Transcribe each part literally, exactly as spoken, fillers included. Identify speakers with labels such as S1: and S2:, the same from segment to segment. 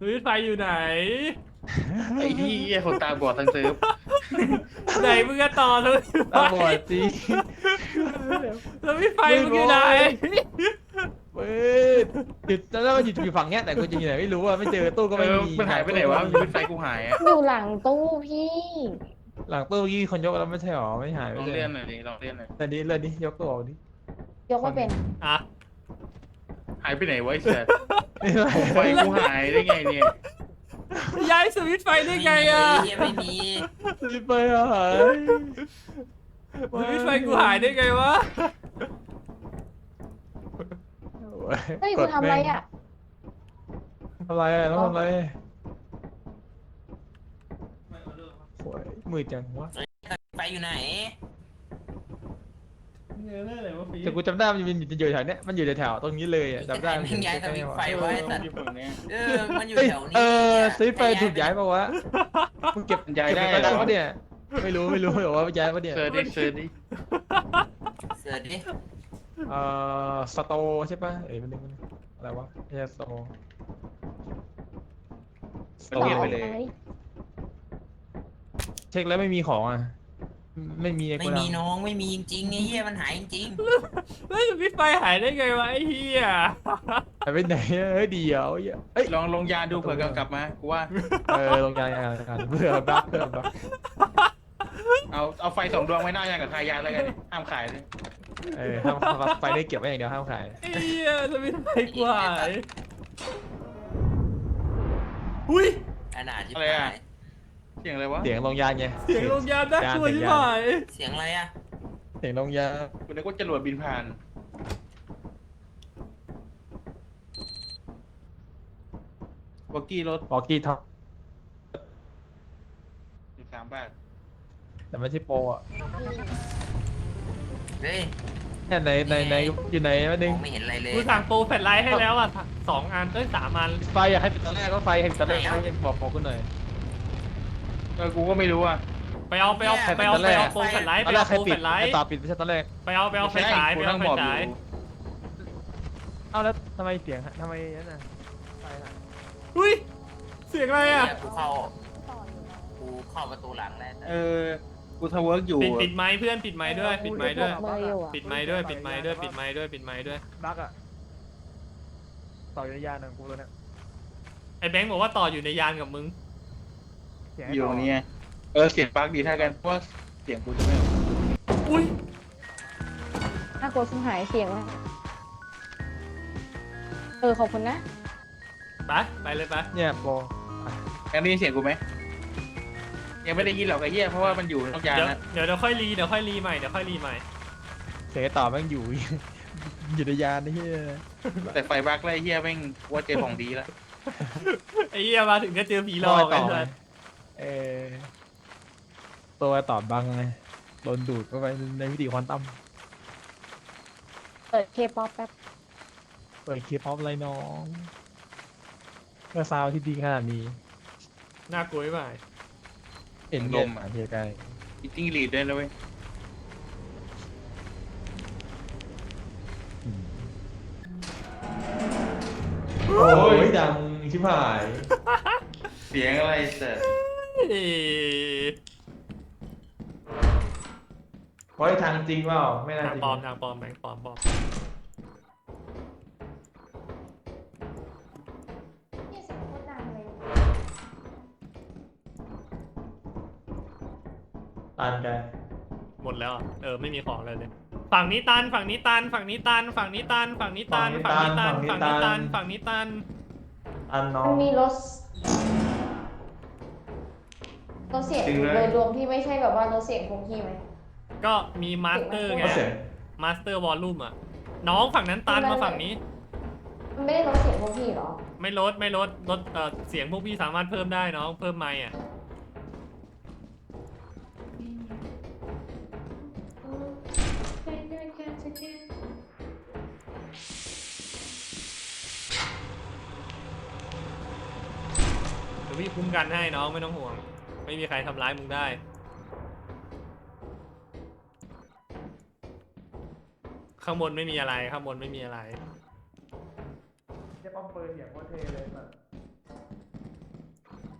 S1: วิตไฟอยู่ไหน
S2: ไอ้ที่ไอ้คนตาบอดทั้งเซิร์ฟ
S1: ไหนมึงก็ต่อสวิตไฟ
S3: ตาบอดจริง
S1: สวิตไฟมึงอยู่ไหน
S3: เว้ยหยุดแล้วมันหยุดอยู่ฝั่งเนี้ยแต่กูจะอยู่ไหนไม่รู้อ่ะไม่เจอตู้ก็
S2: เอ
S3: ไม่
S2: อ
S3: มี
S2: มันหายไปไหนวะมันเป็นไฟกูหายอ่ะ
S4: อยู่หลังตู้พี่
S3: หลังตู้เมื่อกี้คนยกแล้วไม่ใช่หรอไม่หาย
S2: ล
S3: ไม่
S2: อง
S3: ใช่
S2: เลื่อนหน่อยดิลองเลื่อนหน่อย
S3: แต่นี้เลื่อนนี้ยกตัวออกดิ
S4: ยกไม่เป็น
S1: อ่ะ
S2: หายไปไหนวะไอ้เสือ
S3: ไม่เป็นไร
S2: ไฟกูหายได้ไงเนี่ย
S1: ย้ายสวิตไฟได้ไงอ่ะ
S5: เหี้ยไม่มี
S3: สลิปไปอ่ะหาย
S1: สวิตไฟกูหายได้ไงวะ
S4: เฮ้ยกูทำอะไรอ่ะ
S3: ทำไรอ่ะต้องทำไรโอ้ยมืดจังวะ
S5: ไฟอยู่ไหน
S1: เงยเรื่องอะไรวะฟี
S3: แต่กูจำได้มันอยู่อยู่แถวเนี้ยมันอยู่แถวๆตรงนี้เลยอ่ะจำได้
S5: มึงย้ายสวิตช์ไฟไว้สัตว์
S2: อยู่ฝั่งเนี้ย
S5: เออมันอยู่
S3: เอ้ย
S5: แถวนี้
S3: เออสลิปไปถูกย้ายปะวะมึงเก็บ
S2: ย้ายได้
S3: เก็บ
S2: เหร
S3: ไป
S2: อ
S3: ปะเนี่ยไม่รู้ไม่รู้หรอกว่าย้ายปะเนี่ย
S2: เซิร์ชดิเซิร์ชดิ
S5: เสือดิ
S3: เอ่อสโตใช่ปะเอ้ยมันนึงมันอะไรวะไม่ใช่สโต
S2: มันเรียนไปเลย
S3: เช็คแล้วไม่มีของอ่ะไม่มี
S5: ไม่มีน้องไม่มีจริงๆไอ้เหี้ยมันหายจริง
S1: แล้วสวิตไฟหายได้ไงวะไอ้เหี้ย
S3: หายไปไหนอะเฮ้ยเดียวเอ้ย
S2: ลองลงยาดูเผื่อกลับมากูว่า
S3: เออลงยางยางยางเพื่อบักเพื่อบัก
S2: เอาเอาไฟสองดวงไว้หน้ายากับคายาแล้วกันห้ามขายเลย
S3: เออห้ามห้ามไฟได้เก็บไว้อย่างเดียวห้ามขาย
S1: ไอ้เหี้ยสวิตไฟกูหายอุ้ย
S5: ขนาดที่
S2: อะไร
S5: หา
S2: อ่ะ
S5: ย
S2: เสียงอะไรวะ
S3: เสียงลงยางไง
S1: เสียงลงยานน่ากลัวชิบหาย
S5: เสียงอะไรอ่ะ
S3: เสียงลงยาง
S2: กูนึกว่าจรวดบินผ่านวอกกี้รถ
S3: บอกกี้ท็อป
S2: สิบสามบาท
S3: แต่ไม่ใช่โปรอ่ะ
S5: เฮ้ย
S3: เนี่ยในในในอยู่ไหนวะ
S5: ม
S3: นึง
S5: องไม่เห็นอะไรเลย
S1: กูสั่งโปรแฟลชไลท์ให้แล้วอ่ะสองอันเอ้ยสามอัน
S3: ไฟอยากให้ปิดตอนแรกก็ไฟให้ปิดตอนแรกให้บอกบอกกูหน่อย
S2: เออกูก็ไม่รู้อ่ะ
S1: ไปเอาไปเอาไปเอาไปเอาโปรแฟลชไลท์
S3: ตอ
S1: ไป
S3: นแร
S1: เอา
S3: กใคร
S1: โปร
S3: ปิ
S1: แฟ
S3: ด
S1: ลชไลท์
S3: ต่อปิดไม่ใช่ตอนแรก
S1: ไปเอาไปเอาไฟฉายไป
S2: กู
S1: เอา
S2: นั่ง
S1: ไฟ
S2: บอกอ
S1: ฉาย
S2: ยู่
S3: เอ้าแล้วทำไมเสียงทำไมนั่นน่ะไฟหาย
S1: อุ้ยเสียงอะไรอ่ะ
S5: กูเข้ากูเข้าประตูหลังแล้ว
S2: เออกูทำเวิร์กอยู่
S1: ปิดปิดไมค์เพื่อนปิดไมค์ด้วยปิดไมค์ด้วย
S4: มืออยู่อ่ะ
S1: ปิดไมค์ด้วยปิดไมค์ด้วยปิดไมค์ด้วยปิดไมค์ด้วย
S3: บักอ่ะต่อยยานหนึ่งกูเลยเนี่ย
S1: ไอ้แบงค์บอกว่าต่ออยู่ในยานกับมึง
S3: เสีง
S2: อยู่ตรงนี้ไงเออเสียงปลั๊กดีเท่ากันเพราะว่าเสียงกูจะไม่ออก
S1: อุ้ย
S4: น่ากลัวชิบหายเสียงว่ะเออขอบคุณนะ
S1: ไปไปเลยไป
S3: เนี่ยโปร
S2: ยังได้ยินเสียงกูไหมยังไม่ได้ยินหรอกไอ้เหี้ยเพราะว่ามันอยู่นอกยาน
S1: เดี๋ยว
S2: นะ
S1: เดี๋ยวเดี๋ยวค่อยรีเดี๋ยวค่อยรีใหม่เดี๋ยวค่อยรีใหม่
S3: เสียงต่อแม่งอยู่ อยู่ในยานนี่เฮีย
S2: แต่ไฟบั๊กไล่เหี้ยแม่งว่าเจอของดีแล้ว
S1: ไอ้เหี้ยมาถึงก็เจอผีหลอก
S3: ต่
S1: ไอ้
S3: อ
S1: สัส
S3: เออตัวต่อบังไงโดนดูดเข้าไปในวิธีควอนตัม
S4: เปิดเคป๊อปแป๊บ
S3: เปิดคลิปออฟไรน้องเมื่อซาวที่ดีขนาดนี้
S1: น่ากลัวไหม
S3: เห็น
S2: ล
S3: ล
S2: ม
S3: ม
S2: อ่ะ
S3: อ่ะเฮียไกล
S2: มีจิ้งหรีดด้วยนะเว้ย
S3: โอ้ยดังชิบหาย
S2: เสียงอะไรเสร็จ
S1: เอ้ย
S3: เพราะทางจริงเปล่าไม่น่า
S1: ทาง
S3: จริง
S1: ปลอมทางปลอมแบงค์ปลอมปลอม
S4: เนี่ยเสียงโคตรดังเลย
S3: ตันกัน
S1: หมดแล้วอะเออไม่มีของเลยเลยฝั่งนี้ตันฝั่งนี้ตันฝั่งนี้ตันฝั่งนี้ตันฝั่งนี้ตันฝั่งนี้ตันฝั่งนี้ตันฝั่งนี้ตัน
S3: ตันน้อ
S4: มั
S3: ง
S4: นมีรถรถเสียงโดยรวมที่ไม่ใช่แบบว่ารถเสียงคงที่ไหม
S1: ก็มีมาสเตอร์ไง
S3: ก็เสียง
S1: มาสเตอร์วอลลุ่มอ่ะน้องฝั่งนั้นตันมาฝั่งนี้
S4: มันไม่ได้รถเสียงคงที่หรอ
S1: ไม่ลดไม่ลดลดเออเสียงพวกพี่สามารถเพิ่มได้น้องเพิ่มไมค์อ่ะ เดี๋ยวพี่คุ้มกันให้น้องไม่ต้องห่วง ไม่มีใครทำร้ายมึงได้ ข้างบนไม่มีอะไรข้างบนไม่มีอะไร
S3: จะป้อมปืนอย่างโคตรเท่เลยแบบ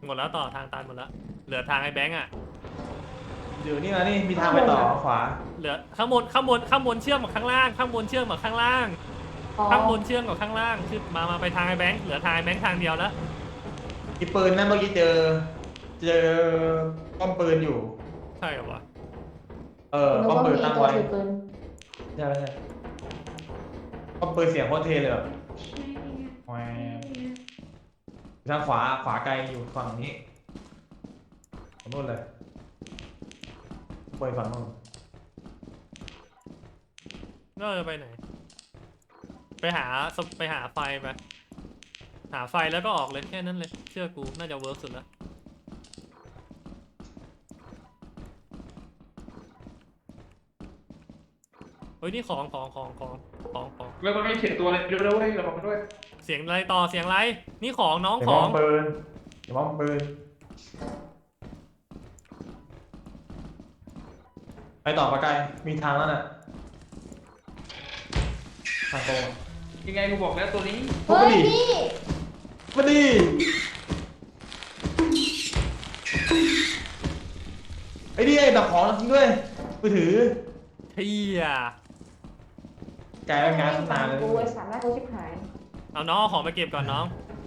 S1: หมดแล้วต่อทางตันหมดแล้วเหลือทางไอ้แบงค์อ่ะ
S3: อยู่นี่นะนี่มีทางไปต่อขวา
S1: เหลือข้างบนข้างบนข้างบนเชื่อมกับข้างล่างข้างบนเชื่อมกับข้างล่าง
S4: อ๋อ
S1: ข้างบนเชื่อมกับข้างล่างคือมามาไปทางไอ้แบงค์เหลือทางไอ้แบงค์ทางเดียวแล้ว
S3: อีปืนนั่นเมื่อกี้เจอ เจอป้อมปืนอยู่
S1: ใช่เหรอวะ
S3: เออ
S4: นึก
S3: ป้อม
S4: ว่า
S3: ปื
S4: มี
S3: นตั้ง
S4: ตัว
S3: ไว้
S4: ถือปืน
S3: ใช่ใช่ป้อมปืนเสียงโคตรเท่เลยแบบแหวทางขวาขวาไกลอยู่ฝั่งนี้ฝั่งนู้นเลยไปฝั่งนู้น
S1: ก็จะไปไหน ไปหาสไปหาไฟไปหาไฟแล้วก็ออกเลยแค่นั้นเลยเชื่อกูน่าจะเวิร์กสุดแล้วเฮ้ยนี่ของของของของของของ
S2: แล้วมันไม่เขียนตัวเลยดูด้วยเราบอกด้วย
S1: เสียงอะไรต่อเสียงอะไรนี่ของน้อง
S3: เดี๋ยว
S1: ข
S3: ป้
S1: อ
S3: อง มปืนเดี๋ยวป้อมปืนไปต่อปะไกลมีทางแล้วน่ะทางตรงอะ
S2: ยังไงกูบอกแล้วตัวนี้
S3: พวก
S4: เฮ้
S3: มัน
S4: ย
S3: ดิ
S4: พี่
S3: มาดิไอ้นี่ไอ้ดับของจริงด้วยมือถือ
S1: เฮีย
S3: กลายเป็นงานตั้งนานเลย
S4: กูไอ้สามหน้ากูชิบหาย
S1: เอาน้องเอาของมาเก็บก่อนน้อง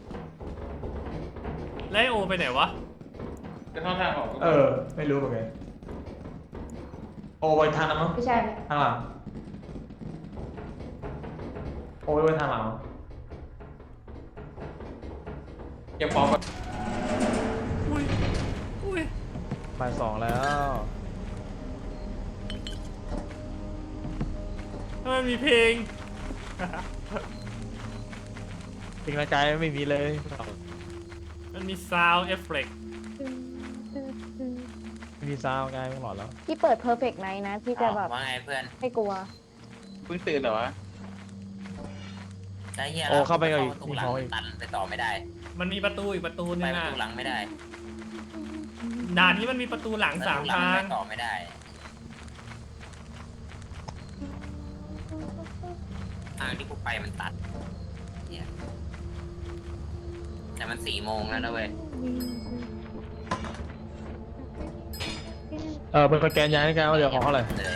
S1: แล้วไอ้โอไปไหนวะ
S2: จะเข้าทางออก
S3: เออ ไม่รู้เหมือนกันโอไปทางนั้นมั้ง
S4: ไม่ใช่
S3: ทางหลังโอไปทางหลังมั้ง
S2: เก็บของก่อน
S1: อุ้ยอุ้ย
S3: บ่ายสองแล้ว
S1: ทำไมมีเพลง
S3: เพลงในใจไม่มีเลย
S1: มันมี sound effect
S3: ไม่มีซาวด์กายไม่หลอดแล้ว
S4: พี่เปิด perfect night นะพี่จะแบบ
S5: ว่าไงเพื่อน
S4: ไม่กลัว
S2: เพิ่งตื่นเหรอวะ
S5: ไอ้เหี้ย
S3: โอ้เข้าไปกับ
S5: ประ
S3: อีก
S5: ตูหลัง
S3: มีของอีก
S5: ตันไปต่อไม่ได้
S1: มันมีประตูอีกประตู
S5: ไป
S1: นึง
S5: ประ
S1: อ่ะ
S5: ตูหลังไม่ได้
S1: ด่านนี้มันมีประตูหลังสาม
S5: ประตูหลั
S1: ทาง
S5: ไปต่อไม่ได้ทางที่กูไปมันตัดเหี้ยแต่มันสี่โมงแล้วนะเว้ย
S3: เออเป็นสแกนยานให้กันว่าเหลือของเท่าไหร่
S5: เลย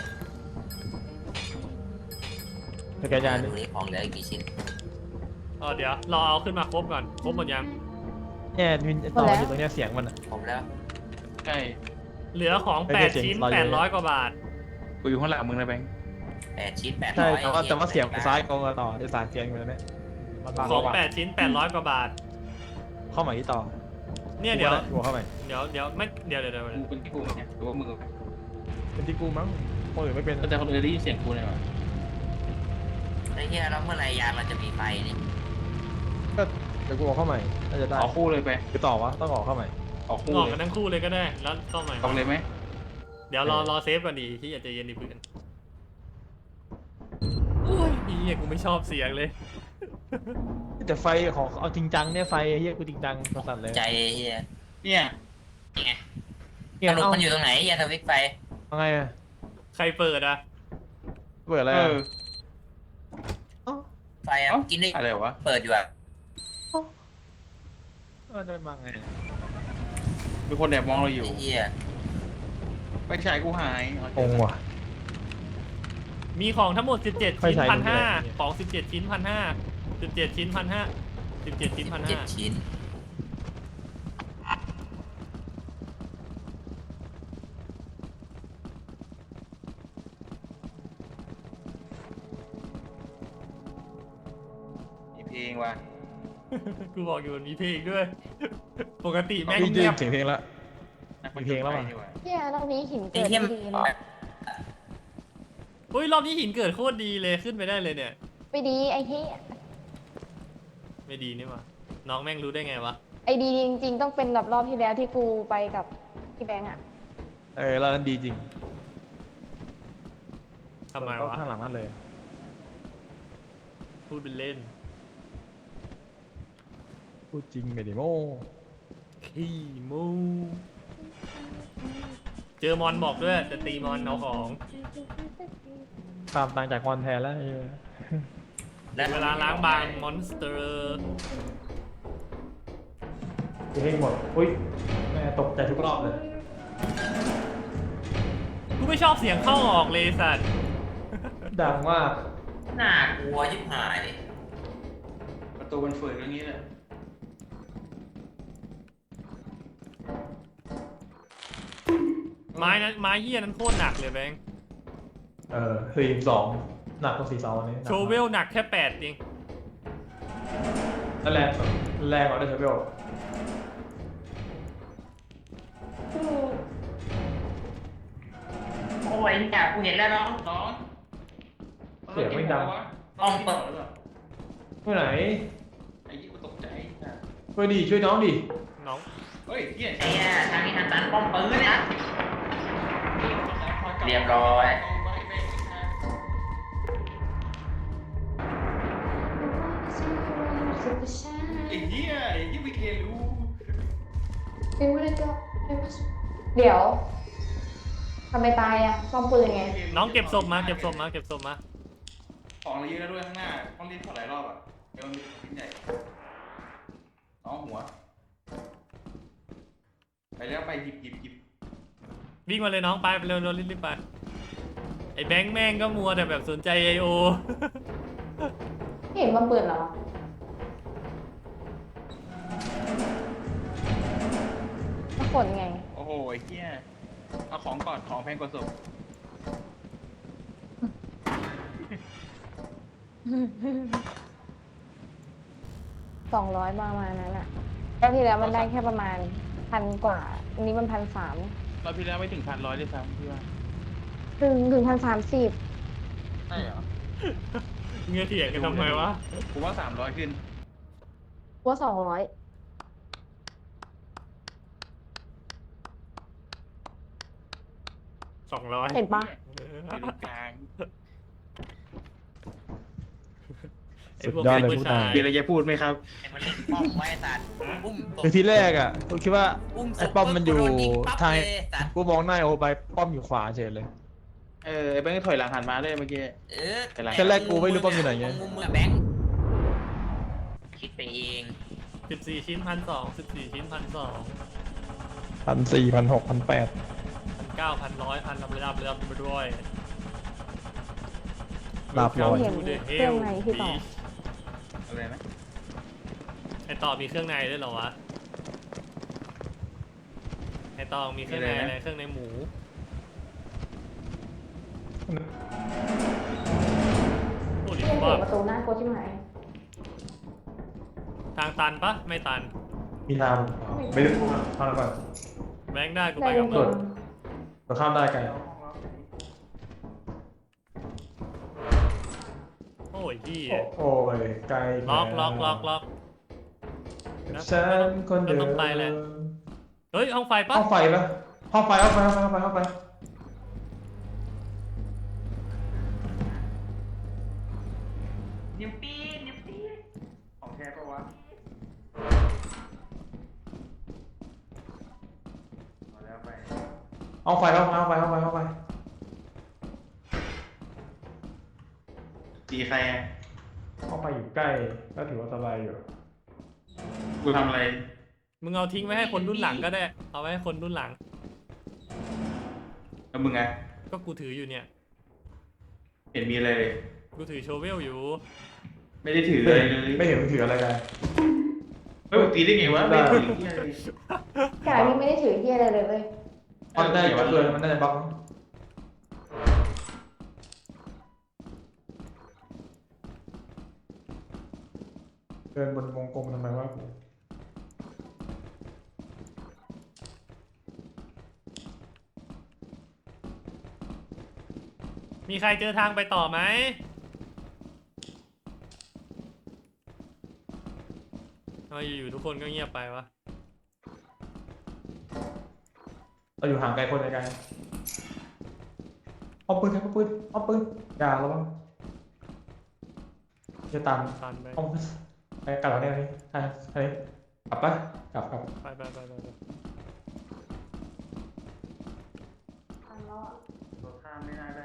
S3: สแกนยาน
S5: ดูนี่ของเหลืออีกกี่ชิ้น
S1: เออเดี๋ยวรอเอาขึ้นมาครบก่อนครบหมดยัง
S3: เนี่ยมีต่ออยู่ตรงเนี้ยเสียงมันอะ
S5: ผมแล้ว
S2: ใช่
S1: เหลือของ
S3: ไม่
S1: แป
S3: ได้
S1: ด
S3: เจ๋ง
S1: ชิ้น
S3: รออยู่
S1: แปดร้อยกว่าบาท
S2: กูอยู่ข้างหลังมึงนะแบงค์
S5: แปดชิ้นแปด
S3: ใช่
S5: ร้อย
S3: แต่ว่าแต่ว่าเสียงซ้ายกองต่อไอ้สายเสียงอยู่แล้วเนี่ยมันบาง
S1: ของ
S3: กว่า
S1: แปดชิ้นแปดร้อยกว่าบาท
S3: เข้าใหม่ที่ต่อ
S1: เนี่ยเดี๋ยว
S3: หัวเข้าใหม่
S1: เดี๋ยวเดี๋ยวไม่เดี๋ยวเดี๋ยวเดี๋ยว
S2: กูเป็นที่กูไหมเนี่ยหรือว่ามึง
S3: เป็นที่กูมั้งคนอื่นไม่เป็น
S2: แต่คนอื่นได้ยินเสียงกูเลยวะ
S5: ไอ้เหี้ยแล้วเมื่อไหรยานเราจะมีไฟนี่
S3: ก็เดี๋ยวกูออกเข้าใหม่น่าจะได้
S2: ออกคู่เลยไป
S3: หรือต่อวะต้องออกเข้าใหม่
S2: ออกคู่
S1: ออก
S2: เล
S1: กัน
S2: ย
S1: ทั้งคู่เลยก็ได้แล้วเข้าใหม่
S2: ออกเลยไหม
S1: เดี๋ยวรอรอเซฟก่อนดีที่อยากจะเย็นดีเพื่อนอุ้ยเฮียกูไม่ชอบเสียงเลย
S3: แต่ไฟของเอาจริงจังเนี่ยไฟเฮียกูจริงจังสั่นเลย
S5: ใจไอ้เหี้ย
S2: เนี่ย
S5: นี่ไง
S3: เนี่ย
S5: สรุป
S3: เอ้า
S5: มันอยู่ตรงไหนยาทวิกไฟ
S3: เอาไงอะ
S1: ใครเปิดอ่ะ
S3: เปิดอะไร
S2: เอ
S3: อะ
S2: อ
S3: เอ้า
S5: ไฟอ่ะ
S2: เอ้า
S5: กินได้
S2: อะไรวะ
S5: เปิดอยู่อ่ะ
S3: มันจะมาไง
S2: มีคนแอบมองเราอยู่
S5: ไอ้เหี้ย
S2: ไปฉายกูหาย
S3: งงว่ะ
S1: มีของทั้งหมดสิบเจ็ด
S3: ไฟ
S1: ชิ้น
S3: ฉาย
S1: พันห้า
S3: ดูไม่ได้
S1: ของสิบเจ็ดชิ้นพันห้าสิบเจ็ดชิ้นพันห้าสิบเจ็ดชิ้นพัน
S5: เจ็
S1: ห้า
S5: ดชิ้น
S2: มีเพลงว่ะ
S1: กูบอกอยู่มันมีเพลงด้วย ปกติแม่ง
S3: พี่
S1: เงียบ
S3: เสียงเพลงแล้ว
S2: นัก
S3: มีเพลงแล้วว่ะ
S2: นี่หว่า
S4: เนี่ยรอบนี้หิน
S5: ไอ้
S4: เกิด
S5: เหี้ย
S4: ไม่
S5: มัน
S4: ดีเลย
S1: เฮ้ยรอบนี้หินเกิดโคตรดีเลยขึ้นไปได้เลยเนี่ย
S4: ไม่ดีไอ้เหี้ย
S1: ไม่ดีนี่หว่าน้องแม่งรู้ได้ไงวะ
S4: ไอ้ดีจริง ๆ ต้องเป็นแบบรอบที่แล้วที่กูไปกับพี่แบงค์อะ
S3: เออแล้วนั้นดีจริง
S1: ทำไมวะ
S3: ข้างหลังนั่นเลย
S1: พูดเป็นเล่น
S3: พูดจริงไม่ได้โม้
S1: ขี้มูเจอมอนบอกด้วยจะตีมอนเอาของ
S3: ตามตังจากคอนแทนแล้วไอ้เหี้ย
S1: เวลาล้างบางมอนสเตอร์
S3: ยิงให้หมดอุ้ยแม่ตกใจทุกรอบเลย
S1: กูไม่ชอบเสียงเข้าออกเลยสัตว์
S3: ดังมาก
S5: น่ากลัวยิบหาย
S2: ประตูมันฝืนอย่างนี้เลย
S1: ไม้นั้นไม้เหี้ยนั้นโคตรหนักเลยแบงค์
S3: เออสี่สองหนักกว่าสี่สองอันนี้หนัก
S1: โช
S3: มาก
S1: เวลหนักแค่แปดเอง
S3: แล้วแรงแรงกว่าด้วยโชเวล
S5: โอ้ยเนี่ยกูเห็นแล้วน้อง
S2: น้อง
S3: เสียงไม่ดัง
S5: ต้องเปิด
S3: ไปไหน
S2: ไอ้ยี่กูตกใจนะ
S3: ช่วยดิช่วยน้องดิ
S1: น้อง
S2: เฮ้ยเฮีย
S5: ไอ้เนี่ยทางนี้ทางตันป้อมปืนเนี่ยเรียบร้อย
S2: ไอ้เหี้ยไอ้ยี่ไม่เคยรู้
S4: เดี๋ยวทำไมตายอ่ะซ่อมปืนไง
S1: น้องเก็บศพมาเก็บศพมาเก็บศพมา
S2: ของเราเยอะแล้วด้วยข้างหน้าต้องรีบถอดหลายรอบอ่ะเดี๋ยวมันมีชิ้นใหญ่น้องหัว ไปแล้วไปหยิบหยิบหยิบ
S1: วิ่งมาเลยน้องไปไปเร็วเร็วรีบๆไปไอ้แบงค์แม่งก็มัวแต่แบบสนใจไอโอ
S4: ไม่เห็นว่าปืนเหรอมาขนไง
S2: โอ้โหไอ้เหี้ยเอาของก่อนของแพงกว่าศพ
S4: สองร้อยประมาณนั้นอ่ะแล้วที่แล้วมันได้แค่ประมาณพันกว่า อันนี้มันพันสาม
S2: เราพี่แล้วไม่ถึงพันร้อยด้วยซ้ำพี่ว่า
S4: ถึงถึงพันสามสิบ
S2: ใช่เหรอ
S1: เงี้ยเถียงกันทำไมวะ
S2: ผมว่าสามร้อยขึ้น
S4: ว่าสองร้อย
S1: สองร้อย
S4: เห็นปะ
S2: อยู่ตรงกลาง
S1: ไอ้พวกเป็นผู้ชาย
S2: มีอะไรจะพูดไหมครับ
S5: ไอ้มันเล่นป้อมไว้สัตว์อุ้มตก
S3: คือที่แรกอ่ะกูคิดว่า
S5: อุ้ม
S3: ไอ้ป้อมมันอยู่
S5: โดนยิงปั๊บ
S3: ทาง
S5: เลยสัตว์
S3: กูมองหน้าโอไปป้อมอยู่ขวาเฉยเลย
S2: เออไอ้แบงค์ถอยหลังหันมาเลยเมื่อกี้
S5: เออ
S2: เป็นไร
S3: แค่แรกกูไม่รู้ป้อมอยู่ไหนไง
S5: มุมมือแบงค์คิดไปเอง
S1: สิบสี่ชิ้นพันสองสิบสี่ชิ้นพันสอง
S3: พันสี่พันหกพันแปด
S1: พันเก้าพันร้อยพันรับรับรับไปด้วย
S3: ลาบร้อย
S4: เห็นเครื่องในที่ต่อ
S2: อะไรนะ
S1: ไอต่อมีเครื่องในด้วยเหรอวะไอต่อมีเครื่องในอะไรเครื่องในหมูโอ้ดิ
S4: เห็น
S1: ว่า
S4: ประตูหน้าโคชิมหาย
S1: ทางตันปะไม่ตัน
S3: มีน้ำไม่ได้พูดนะข้ามก่อน
S1: แบงค์ได้กู
S4: ได้
S1: ไป
S4: จ
S1: กับ
S4: ริ
S1: มึ
S4: ง
S1: ง
S3: เราข้ามได้ไกล
S1: โอ้ยพี่
S3: โอ้ยไกล
S1: ล็อกล็อกล็อกล็อก
S3: ฉันคนเดิม
S1: ต้องไปแหละ เฮ้ยห้องไฟปะ
S3: ห้องไฟปะห้องไฟห้องไฟห้องไฟห้องไฟห้องไฟ
S5: นิ้วปีนนิ้วปีน
S2: ของแท้ปะวะมาแล้วไป
S3: ห้องไฟห้องไฟห้องไฟห้องไฟห้องไฟ
S2: ตีใครอ่ะ
S3: ห้องไฟอยู่ใกล้ก็ถือว่าสบายอยู่
S2: กูทำอะไร
S1: มึงเอาทิ้งไว้ให้คนรุ่นหลังก็ได้ เอาไว้ให้คนรุ่นหลัง
S2: แล้วมึงไง
S1: ก็กูถืออยู่เนี่ย
S2: เห็นมีอะไรเลย
S1: กูถือโชเวลอยู่
S2: ไม่ได้ถือเลยเลย
S3: ไม่เห็นมันถืออะไรกัน
S2: เฮ้ยมึงตีได้ไงวะไม่ถือที่อะไรเลย
S4: กายนี่ไม่ได้ถือที่อะไรเลยเว้ย
S3: มันได้จะเกินมันน่าจะบล็อกเดินบนวงกลมทำไมวะกู
S1: มีใครเจอทางไปต่อไหมทำไมอยู่ๆทุกคนก็เงียบไปวะ
S3: เราอยู่ห่างไกลคนไกลเอาปืนครับเอาปืนเอาปืนอย่าระวังจะตาม
S1: ตันไป
S3: เอาไปกลับแล้วเนี่ยนี่ใช่ใช่กลับปะกลับกลับ
S1: ไปไปไปไปไป
S2: รถข้ามไม่น่าได้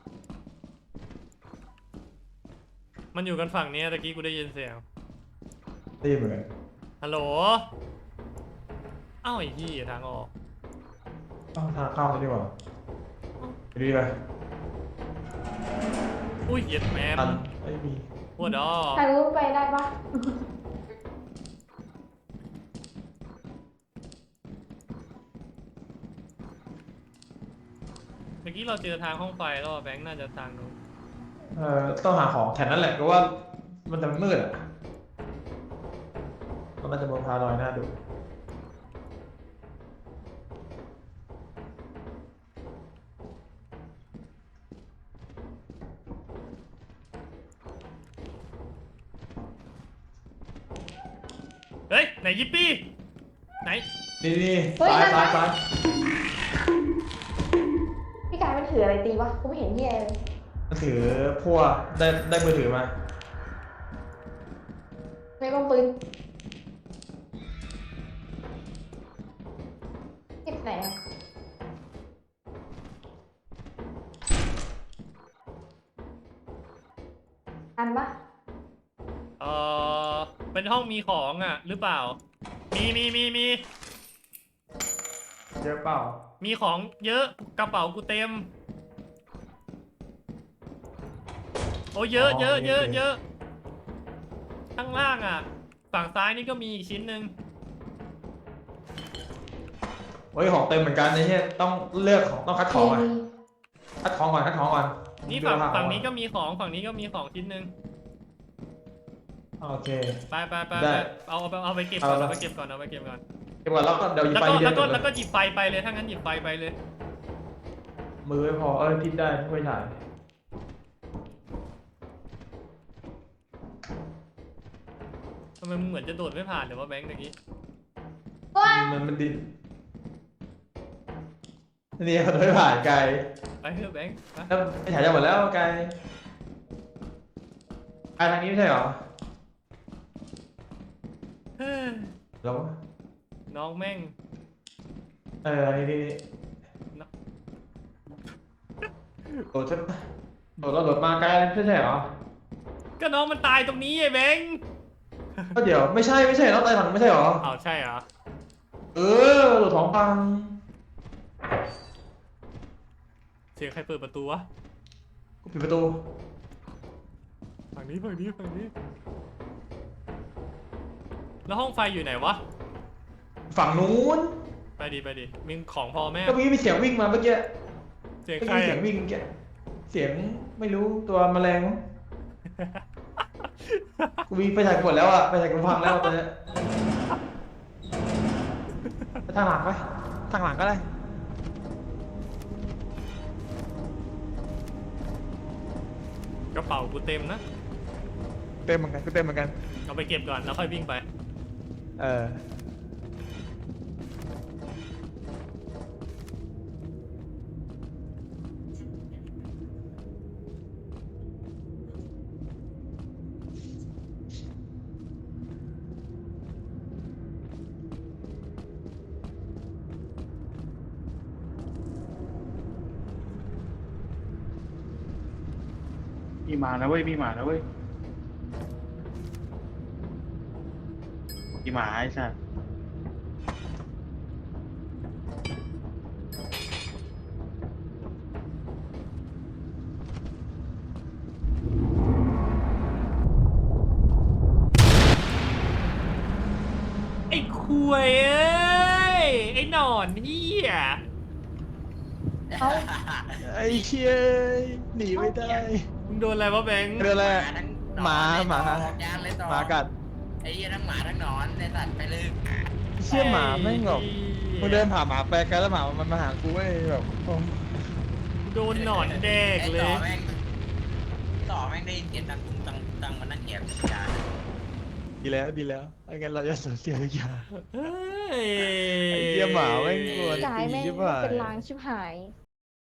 S1: มันอยู่กันฝั่งนี้ตะกี้กูได้ยินเสียง
S3: ได้ยินเหมือนกัน
S1: ฮัลโหลเอ้าไอ้ที่ทางออก
S3: ต้องทางเข้าเลยดีกว่าไปดีไป
S1: อุ้ยเหยียดแมม
S3: ตันไม่มี
S1: ปวดอ๋อ
S4: ทางนู้นไปได้ปะ
S1: เมื่อกี้เราเจอทางห้องไฟแล้วอะแบงค์น่าจะทางนู้น
S3: เอ่อต้องหาของแถวนั้นแหละเพราะว่ามันจะมืดอ่ะมันน่าจะบนพาลอยหน้าดู
S1: เฮ้ยไหนยิปปี้ไหน
S3: นี่นี่ซ้ายซ้ายซ้าย
S4: พี่กายมันถืออะไรตีวะกูไม่เห็นเหี้ยเลย
S3: มันถือพวกได้ได้มือถือมา
S4: ไม่ป้อมปืนเก็บไหนอ่ะอันปะ
S1: เออเป็นห้องมีของอ่ะหรือเปล่า มีมีมีมี
S3: เยอะเปล่า
S1: มีของเยอะกระเป๋ากูเต็ม โอ้เยอะเยอะเยอะเยอะข้างล่างอ่ะ ฝั่งซ้ายนี่ก็มีอีกชิ้นหนึ่ง
S3: เฮ้ยของเต็มเหมือนกันไอ้เนี่ยต้องเลือกของต้องคัดของอ่ะ
S4: มี
S3: คัดของก่อนคัดของก่อน
S1: นี่ฝั่ง
S3: เลือก
S1: ฝั่ง
S3: ก่อ
S1: นี้ก็มีของฝั่งนี้ก็มีของชิ้นหนึ่ง
S3: โอเค
S1: ไปไปไป
S3: ได้
S1: ไปเอาเอาเอาไปเก็บก่อน
S3: เอาละ
S1: เอาไปเก็บก่อนเอาไปเก็บก่อน
S3: เก็บก่อนแล้วก็เดี๋ยวหยิบ
S1: แล้ว
S3: ไป
S1: ก็
S3: ทีเดีย
S1: แล้ว วก็
S3: จบ
S1: แล้ว
S3: เล
S1: ก็
S3: ย
S1: หยิบไฟไปเลยถ้างั้นหยิบไฟไปเลย
S3: มือไม่พอเออพิดได้ไม่ถ่าย
S1: ทำไมมึงเหมือนจะโดดไม่ผ่านหรือว่าแบงค์ตะกี้
S4: โอ๊ย
S3: มันมันดินนี่มันไม่ผ่านไกล
S1: ไปเถอะแบงค์ไป
S3: แล้วไม่ถ่ายจะหมดแล้วไกลไกลทางนี้ไม่ใช่เหรอ
S1: เฮ้ย
S3: แล้ว
S1: น้องแม่ง
S3: เอออันนี้นี่
S1: เนอะ
S3: โดดจะโดดแล้วโดดมาไกลไม่ใช่เหรอ
S1: ก็น้องมันตายตรงนี้ไอ้แบงค์
S3: ก็เดี๋ยวไม่ใช่ไม่ใช่น้องตายถังไม่ใช่เหรอ
S1: อ้าวใช่เหรอ
S3: เออโดดท้องฟัง
S1: เสียงใครเปิดประตูวะ
S3: กูปิดประตู
S1: ฝั่งนี้ฝั่งนี้ฝั่งนี้ แล้วห้องไฟอยู่ไหนวะ
S3: ฝั่งนู้น
S1: ไปดิไปดิมีของพอแม่
S3: ก็เมื่อกี้มีเสียงวิ่งมาเมื่อกี้
S1: เสียง
S3: เมื่อ
S1: ใคร
S3: กี้เสีย
S1: อะ
S3: งวิ่งเมื่อกี้เสียงไม่รู้ตัวแมลงมั้งกูวิ่งไปถ่ายกดแล้วอ่ะไปถ่ายกูพังแล้วตอนเนี้ยไปทางหลังไปทางหลังก็ได้
S1: กระเป๋ากูเต็มนะ
S3: เต็มเหมือนกันกูเต็มเหมือนกัน
S1: เอาไปเก็บก่อนแล้วค่อยวิ่งไป
S3: เออมีหมานะเว้ยมีหมานะเว้ยมีหมาไอ้สัส
S1: ไอ้คุยเอ้ยไอ้หนอนเฮีย
S4: เอ้า
S3: ไอ้เชี่ยหนีไม่ได้
S1: มึงโดนอะไรวะแบงค์
S3: เรื่องอะไร
S5: ทั้ง
S3: หมาหมา
S5: ยานเลยต่อ
S3: หมากัด
S5: ไอ้เหี้ยทั้งหมาทั้งหนอนในสัตว์ไปเลย
S3: เชี่ยหมาแม่งแบบ
S1: ไอ้
S3: กูเดินผ่านหมาไปไกลแล้วหมามันมาหากูเว้ยแบบโอ้
S1: โดนหนอนแดก
S5: ไอ้
S1: เล
S5: ต่อย แม่งต่อแม่งได้ยินเสียงตังตุงตังตังมันนั่งเงียบจาน
S3: ดีแล้วดีแล้วไม่งั้นเราจะสูญเสียทุกอย่าง
S1: เฮ้ย
S3: ไอ้เหี้ยหมาแม่งกลัว
S4: กายแม่ง
S3: ชิบหาย
S4: เป็นลางชิบหาย
S1: ไ